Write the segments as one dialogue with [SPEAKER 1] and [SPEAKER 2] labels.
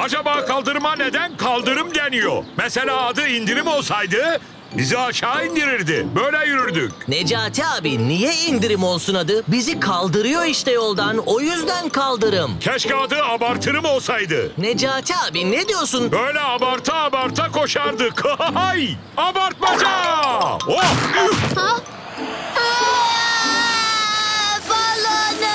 [SPEAKER 1] Acaba kaldırıma neden kaldırım deniyor? Mesela adı indirim olsaydı bizi aşağı indirirdi. Böyle yürürdük.
[SPEAKER 2] Necati abi niye indirim olsun adı? Bizi kaldırıyor işte yoldan. O yüzden kaldırım.
[SPEAKER 1] Keşke adı abartırım olsaydı.
[SPEAKER 2] Necati abi ne diyorsun?
[SPEAKER 1] Böyle abarta abarta koşardık. Hay! Abartmaca! Oh! Üf!
[SPEAKER 3] Ha? Balonum!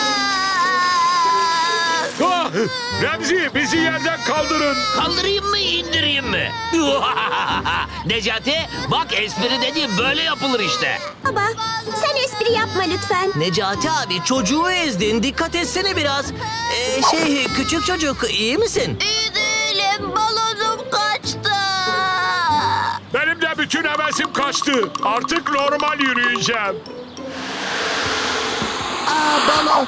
[SPEAKER 1] Ah! Remzi bizi yerden kaldırın.
[SPEAKER 4] Kaldırayım mı indireyim mi? Necati bak espri dediğim böyle yapılır işte.
[SPEAKER 3] Baba, sen espri yapma lütfen.
[SPEAKER 2] Necati abi çocuğu ezdin. Dikkat etsene biraz. Küçük çocuk iyi misin?
[SPEAKER 3] İyi değilim, balonum kaçtı.
[SPEAKER 1] Benim de bütün hevesim kaçtı. Artık normal yürüyeceğim.
[SPEAKER 2] Balon.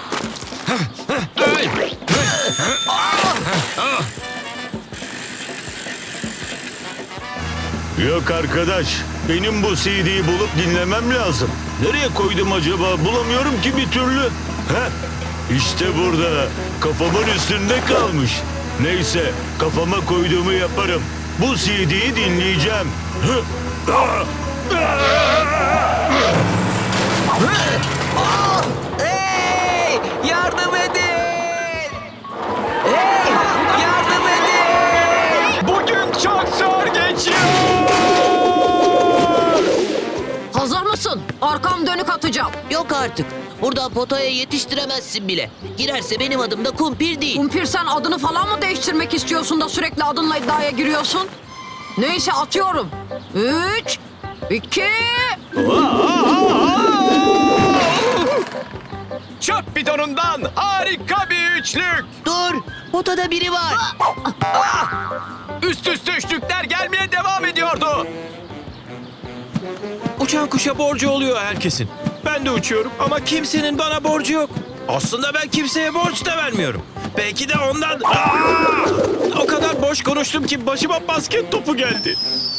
[SPEAKER 5] Yok arkadaş, benim bu CD'yi bulup dinlemem lazım. Nereye koydum acaba? Bulamıyorum ki bir türlü. Heh, işte burada. Kafamın üstünde kalmış. Neyse, kafama koyduğumu yaparım. Bu CD'yi dinleyeceğim.
[SPEAKER 2] Hey! Yardım edin! Hey! Yardım edin!
[SPEAKER 6] Bugün çok zor geçiyor.
[SPEAKER 7] Hazır mısın? Arkam dönük atacağım.
[SPEAKER 2] Yok artık. Burada potaya yetiştiremezsin bile. Girerse benim adım da kumpir değil.
[SPEAKER 7] Kumpir sen adını falan mı değiştirmek istiyorsun da sürekli adınla iddiaya giriyorsun? Neyse atıyorum. 3, 2...
[SPEAKER 6] Çöp bidonundan harika bir üçlük.
[SPEAKER 2] Dur! Potada biri var.
[SPEAKER 6] Üst üste üçlükler gelmeye devam ediyordu.
[SPEAKER 8] Uçan kuşa borcu oluyor herkesin. Ben de uçuyorum ama kimsenin bana borcu yok. Aslında ben kimseye borç da vermiyorum. Belki de ondan... O kadar boş konuştum ki başıma basket topu geldi.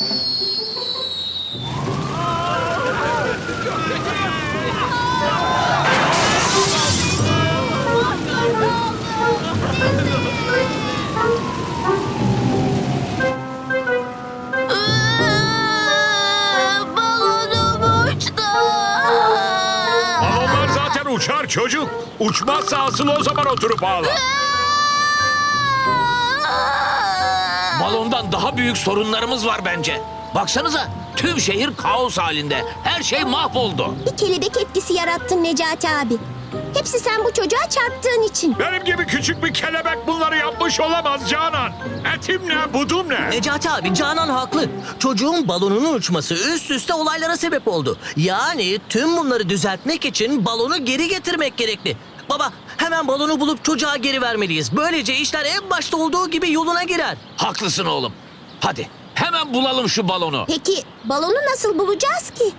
[SPEAKER 3] Balonum uçtu.
[SPEAKER 1] Balonlar zaten uçar çocuk. Uçmazsa asıl o zaman oturup ağla.
[SPEAKER 4] Balondan daha büyük sorunlarımız var bence. Baksanıza tüm şehir kaos halinde. Her şey mahvoldu.
[SPEAKER 3] Bir kelebek etkisi yarattın Necati abi. Hepsi sen bu çocuğa çarptığın için.
[SPEAKER 1] Benim gibi küçük bir kelebek bunları yapmış olamaz Canan. Etim ne, budum ne?
[SPEAKER 2] Necati abi Canan haklı. Çocuğun balonunun uçması üst üste olaylara sebep oldu. Yani tüm bunları düzeltmek için balonu geri getirmek gerekli. Baba hemen balonu bulup çocuğa geri vermeliyiz. Böylece işler en başta olduğu gibi yoluna girer.
[SPEAKER 4] Haklısın oğlum. Hadi hemen bulalım şu balonu.
[SPEAKER 3] Peki balonu nasıl bulacağız ki?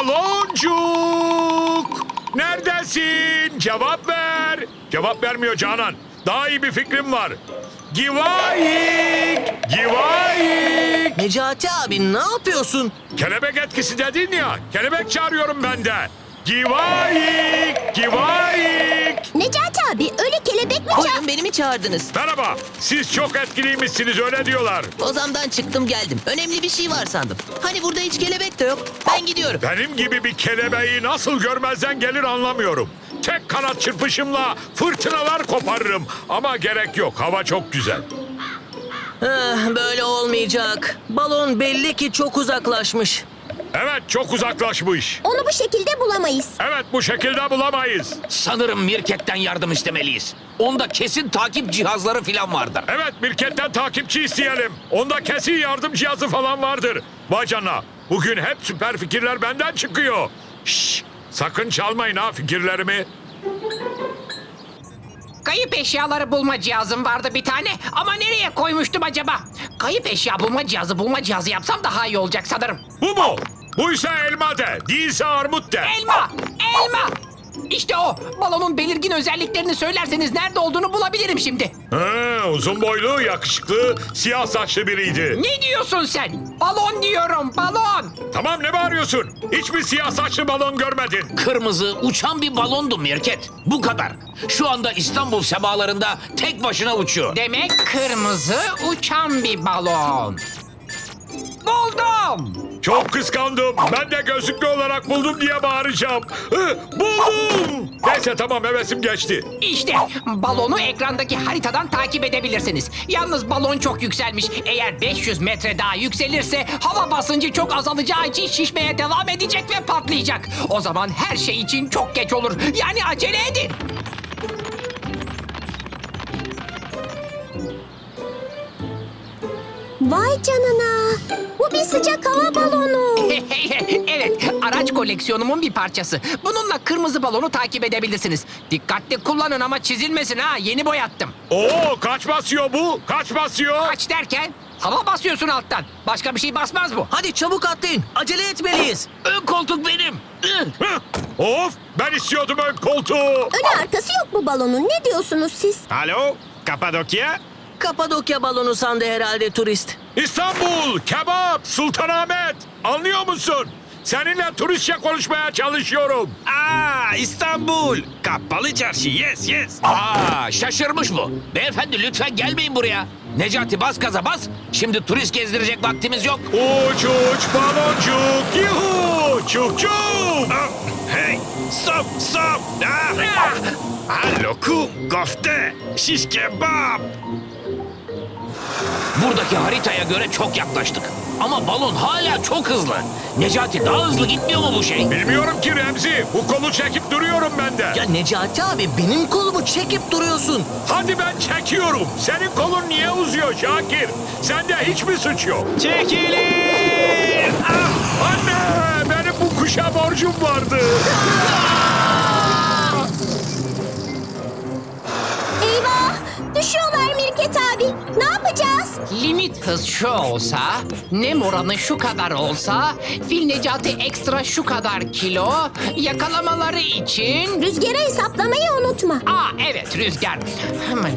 [SPEAKER 1] Baloncuk! Neredesin? Cevap ver. Cevap vermiyor Canan. Daha iyi bir fikrim var. Givayik! Givayik!
[SPEAKER 2] Necati abi ne yapıyorsun?
[SPEAKER 1] Kelebek etkisi dedin ya. Kelebek çağırıyorum ben de. Givayik! Givayik!
[SPEAKER 3] Necati abi öyle kelebek mi
[SPEAKER 2] Buyurun beni mi çağırdınız?
[SPEAKER 1] Merhaba. Siz çok etkiliymişsiniz öyle diyorlar.
[SPEAKER 2] Ozamdan çıktım geldim. Önemli bir şey var sandım. Hani burada hiç kelebek de yok. Ben gidiyorum.
[SPEAKER 1] Benim gibi bir kelebeği nasıl görmezden gelir anlamıyorum. Tek kanat çırpışımla fırtınalar koparırım. Ama gerek yok. Hava çok güzel.
[SPEAKER 2] Böyle olmayacak. Balon belli ki çok uzaklaşmış.
[SPEAKER 1] Evet çok uzaklaşmış.
[SPEAKER 3] Onu bu şekilde bulamayız.
[SPEAKER 1] Evet bu şekilde bulamayız.
[SPEAKER 4] Sanırım Mirket'ten yardım istemeliyiz. Onda kesin takip cihazları falan vardır.
[SPEAKER 1] Evet Mirket'ten takipçi isteyelim. Onda kesin yardım cihazı falan vardır. Vay canına. Bugün hep süper fikirler benden çıkıyor. Şşş, sakın çalmayın ha fikirlerimi.
[SPEAKER 9] Kayıp eşyaları bulma cihazım vardı bir tane ama nereye koymuştum acaba? Kayıp eşya bulma cihazı yapsam daha iyi olacak sanırım.
[SPEAKER 1] Bu mu? Buysa elma de, değilse armut de.
[SPEAKER 9] Elma! Elma! İşte o. Balonun belirgin özelliklerini söylerseniz nerede olduğunu bulabilirim şimdi.
[SPEAKER 1] Uzun boylu, yakışıklı, siyah saçlı biriydi.
[SPEAKER 9] Ne diyorsun sen? Balon diyorum, balon.
[SPEAKER 1] Tamam, ne bağırıyorsun? Hiç mi siyah saçlı balon görmedin?
[SPEAKER 4] Kırmızı uçan bir balondu Mirket. Bu kadar. Şu anda İstanbul semalarında tek başına uçuyor.
[SPEAKER 9] Demek kırmızı uçan bir balon. Buldum.
[SPEAKER 1] Çok kıskandım. Ben de gözlüklü olarak buldum diye bağıracağım. Buldum! Neyse tamam, hevesim geçti.
[SPEAKER 9] İşte balonu ekrandaki haritadan takip edebilirsiniz. Yalnız balon çok yükselmiş. Eğer 500 metre daha yükselirse hava basıncı çok azalacağı için şişmeye devam edecek ve patlayacak. O zaman her şey için çok geç olur. Yani acele edin.
[SPEAKER 3] Vay canına. Bu bir sıcak hava balonu.
[SPEAKER 9] Evet, araç koleksiyonumun bir parçası. Bununla kırmızı balonu takip edebilirsiniz. Dikkatli kullanın ama çizilmesin ha. Yeni boyattım.
[SPEAKER 1] Oo, kaç basıyor bu? Kaç basıyor?
[SPEAKER 9] Kaç derken hava basıyorsun alttan. Başka bir şey basmaz bu.
[SPEAKER 2] Hadi çabuk atlayın. Acele etmeliyiz.
[SPEAKER 4] Ön koltuk benim.
[SPEAKER 1] Of, ben istiyordum ön koltuğu.
[SPEAKER 3] Önü arkası yok bu balonun. Ne diyorsunuz siz?
[SPEAKER 8] Alo, Kapadokya?
[SPEAKER 2] Kapadokya balonu sandı herhalde turist.
[SPEAKER 1] İstanbul, kebap, Sultanahmet. Anlıyor musun? Seninle turistçe konuşmaya çalışıyorum.
[SPEAKER 8] İstanbul. Kapalı çarşı, yes yes.
[SPEAKER 4] Şaşırmış bu. Beyefendi lütfen gelmeyin buraya. Necati bas gaza bas. Şimdi turist gezdirecek vaktimiz yok.
[SPEAKER 1] Uç uç baloncuk, yuhu, çuk çuk.
[SPEAKER 8] Hey, stop stop. Lokum, kofte, şiş kebap.
[SPEAKER 4] Buradaki haritaya göre çok yaklaştık. Ama balon hala çok hızlı. Necati daha hızlı gitmiyor mu bu şey?
[SPEAKER 1] Bilmiyorum ki Remzi. Bu kolu çekip duruyorum ben de.
[SPEAKER 2] Ya Necati abi benim kolumu çekip duruyorsun.
[SPEAKER 1] Hadi ben çekiyorum. Senin kolun niye uzuyor Şakir? Sende hiç mi suç yok?
[SPEAKER 8] Çekilin.
[SPEAKER 1] Anne, benim bu kuşa borcum vardı.
[SPEAKER 3] Eyvah! Düşüyorlar Mirket abi. Ne yapacağız?
[SPEAKER 9] Limit hız şu olsa, nem oranı şu kadar olsa, Fil Necati ekstra şu kadar kilo, yakalamaları için...
[SPEAKER 3] Rüzgarı hesaplamayı unutma.
[SPEAKER 9] Evet rüzgar. Hemen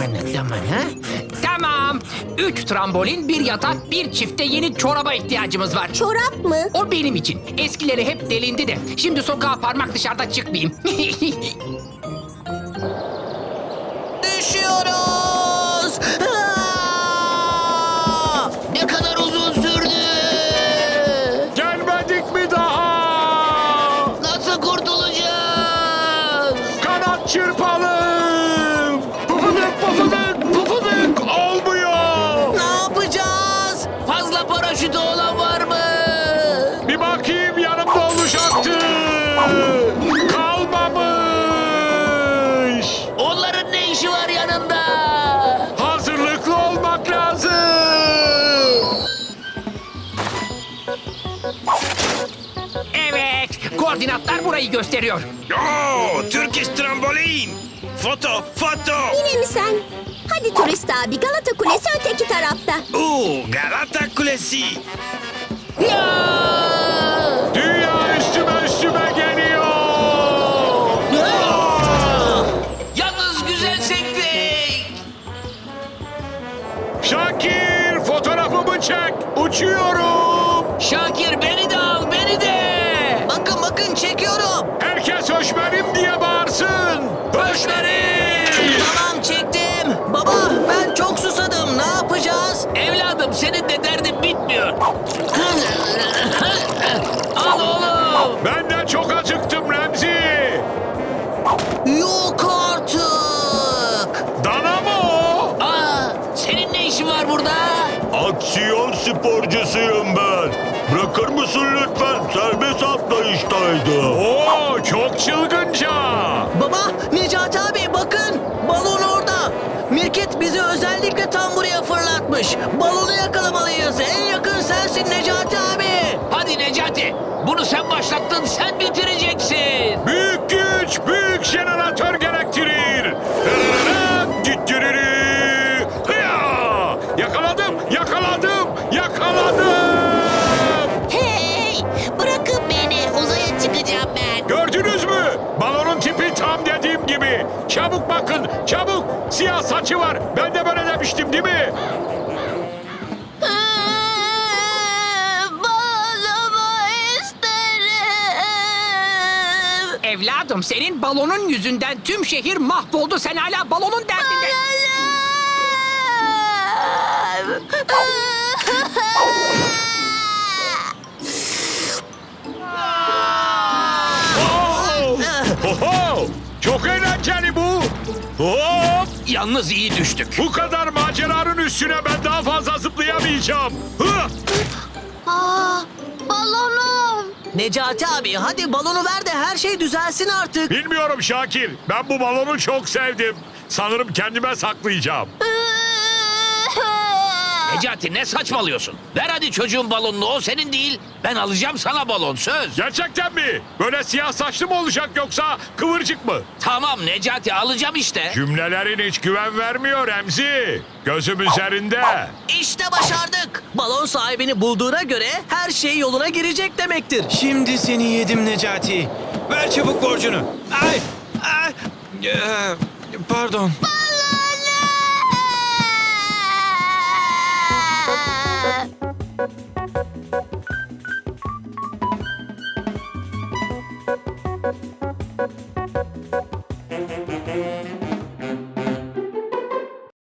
[SPEAKER 9] Tamam. 3 trambolin, bir yatak, bir çifte yeni çoraba ihtiyacımız var.
[SPEAKER 3] Çorap mı?
[SPEAKER 9] O benim için. Eskileri hep delindi de. Şimdi sokağa parmak dışarıda çıkmayayım.
[SPEAKER 2] Düşüyoruz.
[SPEAKER 4] Ne kadar uzun sürdü?
[SPEAKER 1] Gelmedik mi daha?
[SPEAKER 4] Nasıl kurtulacağız?
[SPEAKER 1] Kanat çırpalım. Pufuduk pufuduk pufuduk. Olmuyor.
[SPEAKER 2] Ne yapacağız?
[SPEAKER 4] Fazla paraşütü olan var mı?
[SPEAKER 1] Bir bakayım, yanımda olacaktı. Kalmamış.
[SPEAKER 4] Onların ne işi var yanında?
[SPEAKER 1] Hazırlıklı olmak lazım.
[SPEAKER 9] Evet, koordinatlar burayı gösteriyor.
[SPEAKER 8] Turkish trambolin. Foto, foto.
[SPEAKER 3] Yine mi sen? Hadi turist abi, Galata Kulesi öteki tarafta.
[SPEAKER 8] Galata Kulesi.
[SPEAKER 1] Dünya üstüme geliyor.
[SPEAKER 4] Yalnız güzel sektik.
[SPEAKER 1] Şakir, fotoğrafımı çek. Uçuyorum.
[SPEAKER 4] Şakir beni de al, beni de.
[SPEAKER 2] Bakın çekiyorum.
[SPEAKER 1] Herkes höşmerim diye bağırsın. Höşmerim.
[SPEAKER 2] Tamam çektim. Baba ben çok susadım. Ne yapacağız?
[SPEAKER 4] Evladım senin de derdin bitmiyor. Al oğlum.
[SPEAKER 1] Ben de çok acıktım Remzi.
[SPEAKER 2] Yok artık.
[SPEAKER 1] Dana mı o?
[SPEAKER 4] Senin ne işin var burada?
[SPEAKER 5] Aksiyon sporcusuyum ben. Bırakır mısın lütfen? Serbest atlayıştaydı.
[SPEAKER 1] Oo, çok çılgınca.
[SPEAKER 2] Baba Necati abi bakın. Balon orada. Mirket bizi özellikle tam buraya fırlatmış. Balonu yakalamalıyız. En yakın sensin Necati abi.
[SPEAKER 4] Hadi Necati. Bunu sen başlattın, sen bitireceksin.
[SPEAKER 1] Büyük güç, büyük jeneratör gerektirir. Hıya! Yakaladım.
[SPEAKER 3] Hey! Bırakın beni. Uzaya çıkacağım ben.
[SPEAKER 1] Gördünüz mü? Balonun tipi Çabuk bakın, çabuk. Siyah saçı var. Ben de böyle demiştim değil mi?
[SPEAKER 3] Balonumu isterim.
[SPEAKER 9] Evladım senin balonun yüzünden tüm şehir mahvoldu. Sen hala balonun derdinde.
[SPEAKER 1] Oho! Çok eğlenceli bu. Hop!
[SPEAKER 4] Yalnız iyi düştük.
[SPEAKER 1] Bu kadar maceranın üstüne ben daha fazla zıplayamayacağım. Hı!
[SPEAKER 3] Balonum.
[SPEAKER 2] Necati abi hadi balonu ver de her şey düzelsin artık.
[SPEAKER 1] Bilmiyorum Şakir. Ben bu balonu çok sevdim. Sanırım kendime saklayacağım.
[SPEAKER 4] Necati ne saçmalıyorsun? Ver hadi çocuğun balonunu, o senin değil. Ben alacağım sana balon, söz.
[SPEAKER 1] Gerçekten mi? Böyle siyah saçlı mı olacak yoksa kıvırcık mı?
[SPEAKER 4] Tamam Necati, alacağım işte.
[SPEAKER 1] Cümlelerin hiç güven vermiyor Remzi. Gözüm üzerinde.
[SPEAKER 2] İşte başardık. Balon sahibini bulduğuna göre her şey yoluna girecek demektir.
[SPEAKER 8] Şimdi seni yedim Necati. Ver çabuk borcunu. Ay, ay. Pardon.